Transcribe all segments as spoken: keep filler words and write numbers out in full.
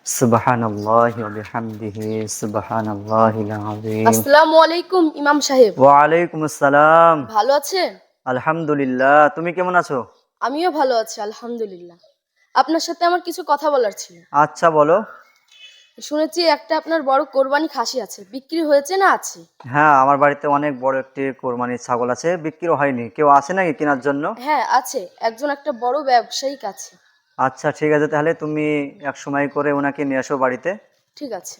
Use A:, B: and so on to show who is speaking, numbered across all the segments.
A: সুবহানাল্লাহি ওয়া বিহামদিহি সুবহানাল্লাহিল আযীম।
B: আসসালামু আলাইকুম ইমাম সাহেব।
A: ওয়া আলাইকুম আসসালাম।
B: ভালো আছেন?
A: আলহামদুলিল্লাহ, তুমি কেমন আছো?
B: আমিও ভালো আছি আলহামদুলিল্লাহ। আপনার সাথে আমার কিছু কথা বলার ছিল।
A: আচ্ছা বলো।
B: শুনেছি একটা আপনার বড় কোরবানি খাসি আছে, বিক্রি হয়েছে না আছে?
A: হ্যাঁ, আমার বাড়িতে অনেক বড় একটি কোরবানির ছাগল আছে, বিক্রি হয়নি। কেউ আসে নাকি কেনার জন্য?
B: হ্যাঁ আছে, একজন একটা বড় ব্যবসায়িক আছে।
A: আচ্ছা ঠিক আছে, তাহলে তুমি এক সময় করে ওনাকে নিয়ে আসো বাড়িতে।
B: ঠিক আছে।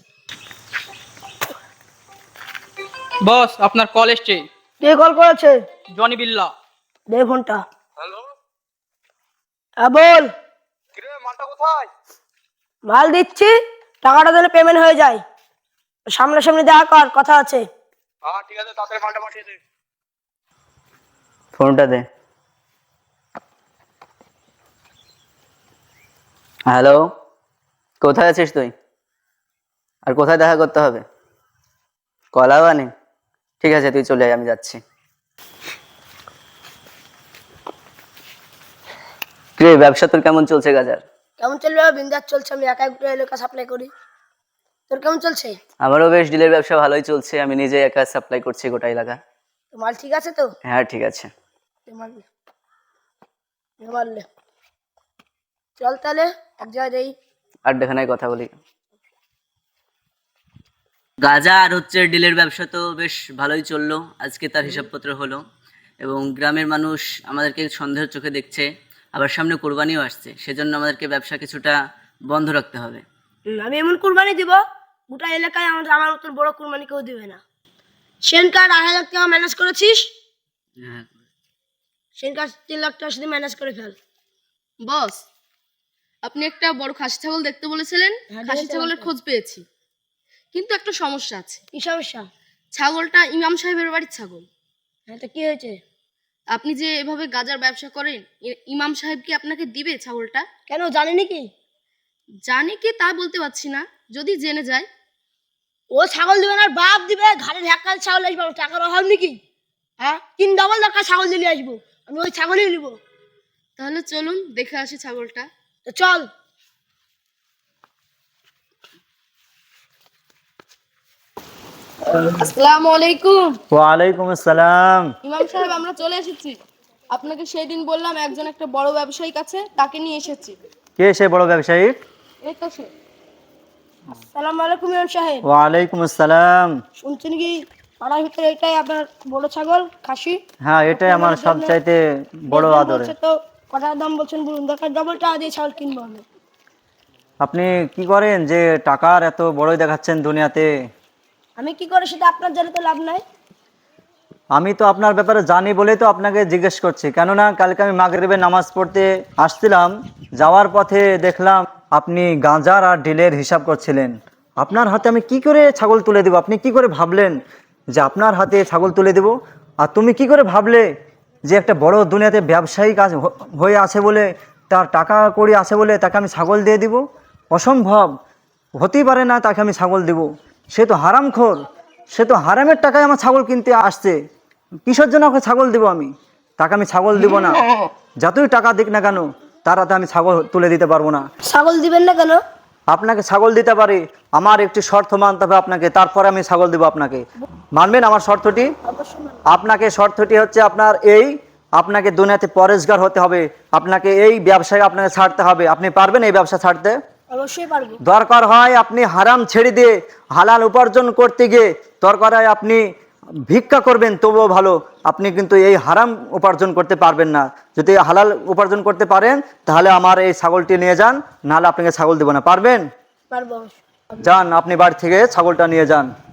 C: বস, আপনার কল এসছে।
D: কে কল করেছে?
C: জনি বিল্লা।
D: দে ফোনটা।
C: হ্যালো,
D: হ্যাঁ বল।
C: কিরে মালটা কোথায়?
D: মাল দিচ্ছি, টাকাটা দিলে পেমেন্ট হয়ে যায়। সামনাসামনি দেখা কর, কথা আছে।
C: হ্যাঁ ঠিক আছে, তাড়াতাড়ি মালটা পাঠিয়ে দে।
A: ফোনটা দে। হ্যালো, কোথায় আছিস তুই? আর কোথায় দেখা করতে হবে? কলাবানি? ঠিক আছে, তুই চলে আয়, আমি যাচ্ছি। কিরে, ব্যবসা তোর কেমন চলছে গাজার?
D: কেমন চলবে? বিন্দাস চলছে, আমি একা একটা এলাকা সাপ্লাই করি। তোর কেমন চলছে?
A: আমারও বেশ ডিলের ব্যবসা ভালোই চলছে, আমি নিজে একা সাপ্লাই করছি গোটা এলাকা।
D: তো মাল ঠিক আছে তো?
A: হ্যাঁ ঠিক আছে।
D: দে মাল দে। দে মাল দে। চল তাহলে এক জায়গায় যাই।
A: আড্ডাখানায় কথা বলি। গাজা আর হচ্ছে ডিলের ব্যবসা তো বেশ ভালোই চললো, আজকে তার হিসাবপত্র হলো এবং গ্রামের মানুষ আমাদেরকে সন্দেহের চোখে দেখছে, আবার সামনে কোরবানিও আসছে, সেজন্য আমাদেরকে ব্যবসা কিছুটা বন্ধ রাখতে হবে।
D: হুম, আমি এমন কুরবানি দিব, গোটা এলাকায় আমাদের আমার মতন বড় কুরবানি কেউ দিবে না। সেনকার আড়াই হাজার টাকা ম্যানেজ করেছিস,
A: হ্যাঁ,
D: সেনকার তিন লাখ টাকা শুধু ম্যানেজ করে ফেল।
B: বস, আপনি একটা বড় খাসি ছাগল দেখতে বলেছিলেন।
D: হ্যাঁ,
B: খাসি
D: দেখেছি
B: ছাগলের
D: আমাকে।
B: খোঁজ পেয়েছি, কিন্তু একটা সমস্যা আছে।
D: কি সমস্যা?
B: ছাগলটা ইমাম সাহেবের বাড়ির ছাগল।
D: হ্যাঁ তো কি হয়েছে?
B: আপনি যে এভাবে গাজার ব্যবসা করেন, ই- ইমাম সাহেব কি আপনাকে দিবে ছাগলটা?
D: কেন, জানেনি কি?
B: জানি কি তা বলতে পারছি না, যদি জেনে যায়।
D: ও ছাগল দিবে না, বাপ দিবে। ঘাড়ে ঢাকাল ছাগল আসবো, টাকার অভাব নাকি? হ্যাঁ, তিন ডবল টাকা ছাগল দিলে আসবো, আমি ওই ছাগলই নিব।
B: তাহলে চলুন দেখে আসি ছাগলটা।
D: তো চল।
B: আসসালামু আলাইকুম।
A: ওয়ালাইকুম আসসালাম।
B: ইমাম সাহেব, আমরা চলে এসেছি। আপনাকে সেই দিন বললাম একজন একটা বড় ব্যবসায়িক আছে, তাকে নিয়ে এসেছি।
A: কে সে বড় ব্যবসায়ী?
B: এই তো সে।
D: আসসালামু আলাইকুম ইমাম সাহেব।
A: ওয়ালাইকুম আসসালাম।
D: শুনছেন কি পাড়ার ভিতরে এটাই আপনার বড় ছাগল খাসি?
A: হ্যাঁ, এটাই আমার সবচাইতে বড়
D: দেখবেন
A: আদরে।
D: বলছে তো কটার দাম বলছেন বলুন, দরকার ডবল টাকা দিয়ে ছাগল কিনবো আমি।
A: আপনি কি করেন যে টাকার এত বড়ই দেখাচ্ছেন দুনিয়াতে?
D: আমি কি করে সেটা আপনার জানে তো লাভ নাই।
A: আমি তো আপনার ব্যাপারে জানি বলেই তো আপনাকে জিজ্ঞেস করছি, কেননা কালকে আমি মাগরিবের নামাজ পড়তে আসছিলাম, যাওয়ার পথে দেখলাম আপনি গাঁজার আর ডিলের হিসাব করছিলেন। আপনার হাতে আমি কি করে ছাগল তুলে দেব? আপনি কি করে ভাবলেন যে আপনার হাতে ছাগল তুলে দেব? আর তুমি কি করে ভাবলে যে একটা বড় দুনিয়াতে ব্যবসায়িক আজ হ- হয়ে আছে বলে, তার টাকা কড়ি আছে বলে তাকে আমি ছাগল দিয়ে দিব? অসম্ভব, হতেই পারে না তাকে আমি ছাগল দেব। সে তো হারামখোর, সে তো হারামের টাকায় আমার ছাগল কিনতে আসছে। কিসের জন্য ওকে ছাগল দেবো আমি? তাকে আমি ছাগল দিব না, যতই টাকা দিক না কেন তার হাতে আমি ছাগল তুলে দিতে পারবো না।
D: ছাগল দিবেন না কেন?
A: আপনাকে ছাগল দিতে পারি, আমার একটি শর্ত মানতে হবে আপনাকে, তারপরে আমি ছাগল দেবো আপনাকে। মানবেন আমার শর্তটি?
D: অবশ্যই মানবো।
A: আপনাকে শর্তটি হচ্ছে আপনার এই, আপনাকে দুনিয়াতে পরেশগার হতে হবে, আপনাকে এই ব্যবসায় আপনাকে ছাড়তে হবে। আপনি পারবেন এই ব্যবসা ছাড়তে?
D: অবশ্যই পারবো।
A: দরকার হয় আপনি হারাম ছেড়ে দিয়ে হালাল উপার্জন করতে গিয়ে দরকার হয় আপনি ভিক্ষা করবেন, তবুও ভালো। আপনি কিন্তু এই হারাম উপার্জন করতে পারবেন না। যদি হালাল উপার্জন করতে পারেন তাহলে আমার এই ছাগলটি নিয়ে যান, নাহলে আপনাকে ছাগল দেবো না। পারবেন?
D: পারবো অবশ্যই।
A: যান, আপনি বাড়ি থেকে ছাগলটা নিয়ে যান।